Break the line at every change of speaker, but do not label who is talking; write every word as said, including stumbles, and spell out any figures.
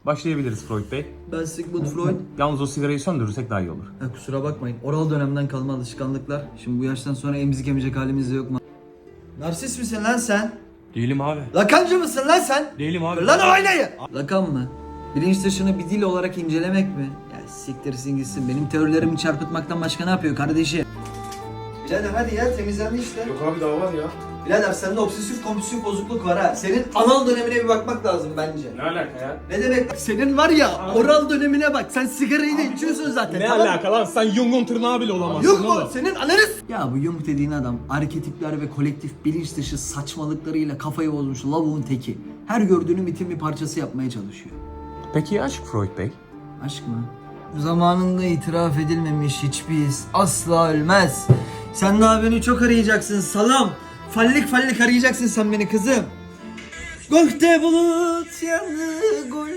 Başlayabiliriz Freud Bey.
Ben Sigmund Freud.
Yalnız o sigarayı söndürürsek daha iyi olur.
Ha, kusura bakmayın. Oral dönemden kalma alışkanlıklar. Şimdi bu yaştan sonra emzik emecek halimiz de yok mu? Narsist misin lan sen?
Değilim abi.
Lakancı mısın lan sen?
Değilim abi.
Lan o aynayı! Lakan mı? Bilinç dışını bir dil olarak incelemek mi? Ya siktirsin gitsin. Benim teorilerimi çarpıtmaktan başka ne yapıyor kardeşim? Birader hadi ya, temizlendi işte.
Yok abi daha var ya.
Birader sende obsesif kompulsif bozukluk var ha. Senin anal dönemine bir bakmak lazım bence.
Ne alaka ya?
Ne demek? Senin var ya oral dönemine bak. Sen sigarayı da içiyorsun zaten.
Ne
tamam mı?
alaka lan? Sen Jung'un tırnağı bile olamazsın
Yok mu?
oğlum.
Senin ananız. Ya bu Jung dediğin adam arketipler ve kolektif bilinç dışı saçmalıklarıyla kafayı bozmuş lavuğun teki. Her gördüğünü mitin bir parçası yapmaya çalışıyor.
Peki ya aşk Freud Bey?
Aşk mı? Zamanında itiraf edilmemiş hiçbir his asla ölmez. Sen daha beni çok arayacaksın salam. Fallik fallik arayacaksın sen beni kızım. Gökte bulut yandı, gol